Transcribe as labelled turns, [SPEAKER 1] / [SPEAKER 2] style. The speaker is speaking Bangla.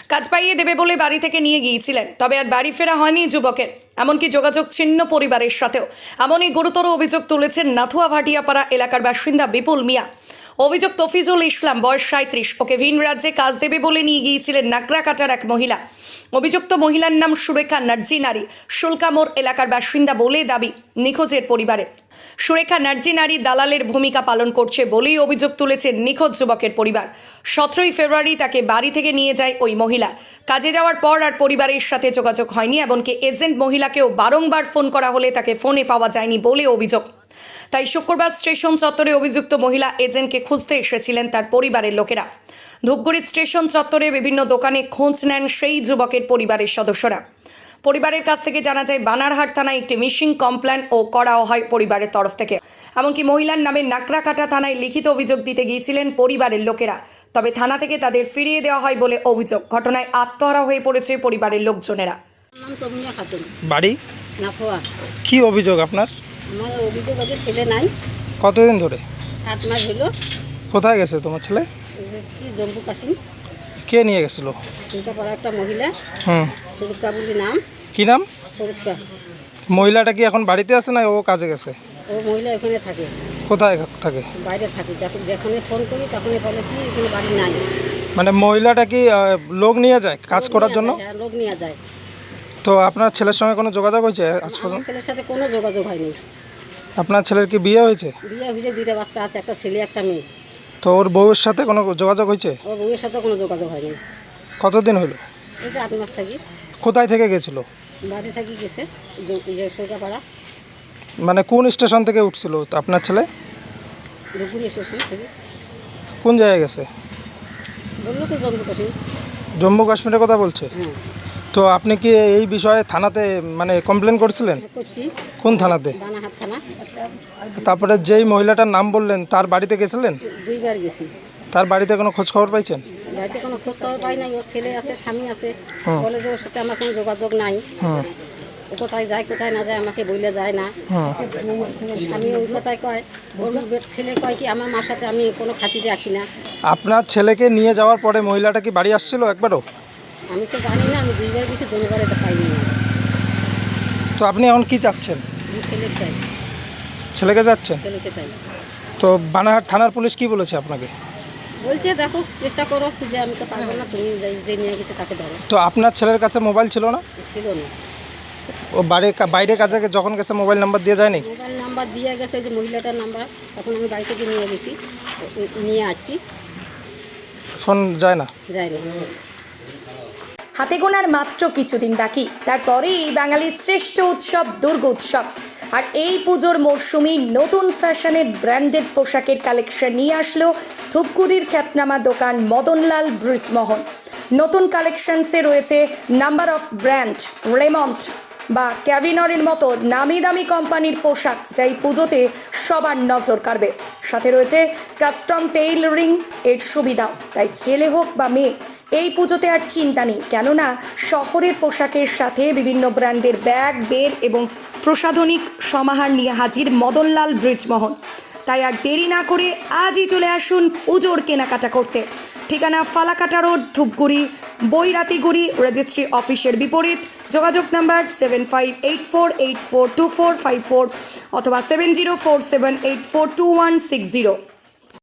[SPEAKER 1] কাজ পাইয়ে দেবে বলে বাড়ি থেকে নিয়ে গিয়েছিলেন, তবে আর বাড়ি ফেরা হয়নি যুবকের। এমনকি যোগাযোগ ছিন্ন পরিবারের সাথেও। এমনই গুরুতর অভিযোগ তুলেছেন নাথুয়া ভাটিয়াপাড়া এলাকার বাসিন্দা বিপুল মিয়া। অভিযোগ তফিজুল ইসলাম, বয়স 37, ওকে ভিন রাজ্যে কাজ দেবে বলে নিয়ে গিয়েছিলেন নাকড়াকাটার এক মহিলা। অভিযুক্ত মহিলার নাম সুরেখা নার্জি নারী, শুল্কামোড় এলাকার বাসিন্দা বলে দাবি নিখোঁজের পরিবারের। সুরেখা নার্জি নারী দালালের ভূমিকা পালন করছে বলেই অভিযোগ তুলেছেন নিখোঁজ যুবকের পরিবার। 17ই ফেব্রুয়ারি তাকে বাড়ি থেকে নিয়ে যায় ওই মহিলা। কাজে যাওয়ার পর আর পরিবারের সাথে যোগাযোগ হয়নি, এমনকি এজেন্ট মহিলাকেও বারংবার ফোন করা হলে তাকে ফোনে পাওয়া যায়নি বলে অভিযোগ। তাই শুক্রবার স্টেশন চত্বরে অভিযুক্ত মহিলা এজেন্টকে খুঁজতে এসেছিলেন তার পরিবারের লোকেরা। ধূপগুড়ি স্টেশন চত্বরে বিভিন্ন দোকানে খোঁজ নেন সেই যুবকের পরিবারের সদস্যরা। পরিবারের কাছ থেকে জানা যায় বানারহাট থানায় একটি মিসিং কমপ্লেন ও করাও হয় পরিবারের তরফ থেকে। এমনকি মহিলার নামে নাকড়াকাটা থানায় লিখিত অভিযোগ দিতে গিয়েছিলেন পরিবারের লোকেরা, তবে থানা থেকে তাদের ফিরিয়ে দেওয়া হয় বলে অভিযোগ। ঘটনায় আত্মহারা হয়ে পড়েছে পরিবারের লোকজনেরা।
[SPEAKER 2] বাড়ি
[SPEAKER 3] নাথুয়া।
[SPEAKER 2] কি অভিযোগ আপনার?
[SPEAKER 3] আমার অভিযোগ আছে ছেলে নাই,
[SPEAKER 2] কতদিন ধরে?
[SPEAKER 3] 8 মাস হলো।
[SPEAKER 2] কোথায় গেছে তোমার ছেলে?
[SPEAKER 3] কি জম্মু কাশ্মীর।
[SPEAKER 2] কে নিয়ে গেছিল?
[SPEAKER 3] সুরকাপাড়া একটা মহিলা, সুরকা বলি নাম।
[SPEAKER 2] কি নাম?
[SPEAKER 3] সুরকা।
[SPEAKER 2] মহিলাটা কি এখন বাড়িতে আছে না ও কাজে গেছে?
[SPEAKER 3] ও মহিলা এখানে থাকে।
[SPEAKER 2] কোথায় থাকে?
[SPEAKER 3] বাইরে থাকে। যখন ফোন করি তখনই বলে কি এখানে বাড়ি নাই।
[SPEAKER 2] মানে মহিলাটা কি লোক নিয়ে যায় কাজ করার জন্য?
[SPEAKER 3] হ্যাঁ, লোক নিয়ে যায়।
[SPEAKER 2] তো আপনার ছেলের সঙ্গে কোনো যোগাযোগ হয়েছে আজ
[SPEAKER 3] আমার
[SPEAKER 2] পর্যন্ত?
[SPEAKER 3] ছেলের সাথে কোনো যোগাযোগ হয়নি।
[SPEAKER 2] আপনার ছেলের কি বিয়ে হয়েছে?
[SPEAKER 3] বিয়ে হয়েছে, 2টা বাচ্চা আছে, একটা ছেলে একটা মেয়ে।
[SPEAKER 2] তো ওর বউয়ের সাথে কোনো যোগাযোগ হয়েছে?
[SPEAKER 3] ওর বউয়ের সাথে কোনো যোগাযোগ হয়নি।
[SPEAKER 2] কতদিন হলো?
[SPEAKER 3] এই যে 8 মাস থাকি।
[SPEAKER 2] কোথায় থেকে গেছিল?
[SPEAKER 3] বাড়ি থাকি গেছে সুরকাপাড়া।
[SPEAKER 2] মানে কোন স্টেশন থেকে উঠছিল আপনার ছেলে?
[SPEAKER 3] ধূপগুড়ি স্টেশন থেকে।
[SPEAKER 2] কোন জায়গায় গেছে?
[SPEAKER 3] বললো তো জম্মু কাশ্মীর।
[SPEAKER 2] জম্মু কাশ্মীরের কথা বলছে।
[SPEAKER 3] হ্যাঁ,
[SPEAKER 2] তো আপনি কি এই বিষয়ে থানাতে মানে কমপ্লেন করছিলেন?
[SPEAKER 3] করছি।
[SPEAKER 2] কোন থানাতে?
[SPEAKER 3] বানারহাট থানা।
[SPEAKER 2] তারপরে যেই মহিলাটার নাম বললেন তার বাড়িতে গেছিলেন?
[SPEAKER 3] 2বার গেছি।
[SPEAKER 2] তার বাড়িতে কোনো খোঁজ খবর পাইছেন?
[SPEAKER 3] বাড়িতে কোনো খোঁজ খবর পাই নাই। ওর ছেলে আছে, স্বামী আছে।
[SPEAKER 2] হুম।
[SPEAKER 3] বলে যে ওর সাথে আমার কোনো যোগাযোগ নাই।
[SPEAKER 2] হুম
[SPEAKER 3] ও কোথায় যায় কোথায় না যায় আমাকে বলে যায় না।
[SPEAKER 2] হুম
[SPEAKER 3] স্বামী ওই কথায় কয়। ওর ছেলে কয় কি আমার মার সাথে আমি কোনো খাতির রাখি না।
[SPEAKER 2] আপনার ছেলেকে নিয়ে যাওয়ার পরে মহিলাটা কি বাড়ি আসছিল একবারও?
[SPEAKER 3] আমি তো জানি না, আমি 2বার গেছি, 2বারে তো পাইনি না।
[SPEAKER 2] তো আপনি এখন কি চাচ্ছেন?
[SPEAKER 3] আমি ছেলে চাই,
[SPEAKER 2] ছেলেকে যাচ্ছেন?
[SPEAKER 3] ছেলেকে চাই।
[SPEAKER 2] তো বানারহাট থানার পুলিশ কি বলেছে আপনাকে?
[SPEAKER 3] বলছে দেখো চেষ্টা করো, যে আমি তো পারবো না, তুমি যে নিয়ে গেছে তাকে ধরো।
[SPEAKER 2] তো আপনার ছেলের কাছে মোবাইল ছিল না?
[SPEAKER 3] ছিল না।
[SPEAKER 2] ও বাইরে কাজে যখন গেছে মোবাইল নাম্বার দিয়ে যায়নি?
[SPEAKER 3] মোবাইল নাম্বার দিয়ে গেছে, যে মহিলাটার নাম্বার। তখন আমি বাড়ি থেকে নিয়ে গেছি, নিয়ে আসছি।
[SPEAKER 2] ফোন যায় না?
[SPEAKER 3] যাই না।
[SPEAKER 1] হাতে গোনার মাত্র কিছুদিন বাকি, তারপরেই বাঙালির শ্রেষ্ঠ উৎসব দুর্গা উৎসব। আর এই পুজোর মরশুমি নতুন ফ্যাশনের ব্র্যান্ডেড পোশাকের কালেকশন নিয়ে আসলো ধূপগুড়ির খ্যাতনামা দোকান মদনলাল ব্রিজমোহন। নতুন কালেকশনসে রয়েছে নাম্বার অফ ব্র্যান্ড, রেমন্ড বা ক্যাভিনরের মতো নামি দামি কোম্পানির পোশাক, যা এই পুজোতে সবার নজর কাড়বে। সাথে রয়েছে কাস্টম টেইলরিং এর সুবিধাও। তাই ছেলে হোক বা মেয়ে, এই পুজোতে আর চিন্তা নেই, কেননা শহরের পোশাকের সাথে বিভিন্ন ব্র্যান্ডের ব্যাগ, বের এবং প্রসাধনিক সমাহার নিয়ে হাজির মদনলাল ব্রিজমোহন। তাই আর দেরি না করে আজই চলে আসুন পুজোর কেনাকাটা করতে। ঠিকানা ফালাকাটা রোড, ধূপগুড়ি, বৈরাতিগুড়ি রেজিস্ট্রি অফিসের বিপরীত। যোগাযোগ নাম্বার 7584842454 অথবা 7047842160।